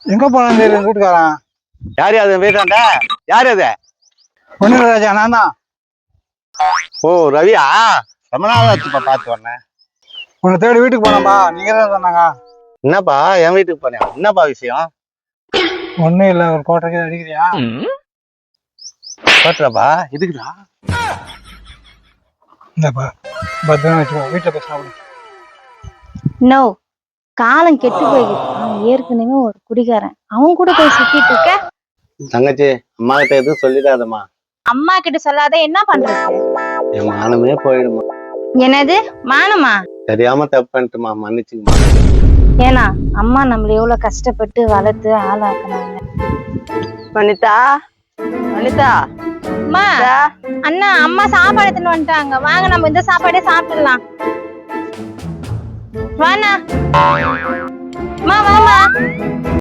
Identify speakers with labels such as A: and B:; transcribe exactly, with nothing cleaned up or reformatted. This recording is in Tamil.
A: எங்க போனான்னு தெரியல வீட்டுக்காரன்.
B: யாரு அது வீட்டாண்ட? யாரு அது?
A: ஒண்ணு ராஜா, நான் தான்.
B: ஓ ரவியா, ரொம்ப நாள் ஆச்சுப்பா பார்த்து வரேன்.
A: உன்னை தேடி வீட்டுக்கு போனப்பா, நீங்க தான் சொன்னாங்க.
B: என்னப்பா என் வீட்டுக்கு போனியா? என்னப்பா விஷயம்?
A: ஒண்ணும் இல்ல, ஒரு கோட்டைக்கு அடிக்கிறியா?
B: பாத்துறாப்பா இதுக்குதா?
A: இந்தப்பா பத்திரம் வச்சுக்கோ, வீட்டுல போய் சாப்பிடு.
C: நோ, காலம் கெட்டு போய்கிட்டு. அவன் ஏற்கனவே ஒரு குடிகாரன், அவன் கூட போய் சுத்திட்டு இருக்க.
B: தங்கச்சி, அம்மா கிட்ட எதுவும் சொல்லிடாதம்மா.
C: அம்மா கிட்ட சொல்லாத, என்ன பண்றது?
B: என் மானமே போயிடுமா.
C: என்னது மானமா?
B: தெரியாம தப்பு பண்ணிட்டுமா, மன்னிச்சுக்குமா.
C: ஏன்னா அம்மா நம்மள எவ்வளவு கஷ்டப்பட்டு வளர்த்து ஆளாக்குனாங்க.
D: வனிதா, வனிதா,
C: அம்மா, அண்ணா அம்மா சாப்பாடு எடுத்துன்னு வந்துட்டாங்க, வாங்க நம்ம இந்த சாப்பாடே சாப்பிடலாம். வாண்ணா, அம்மா வாமா.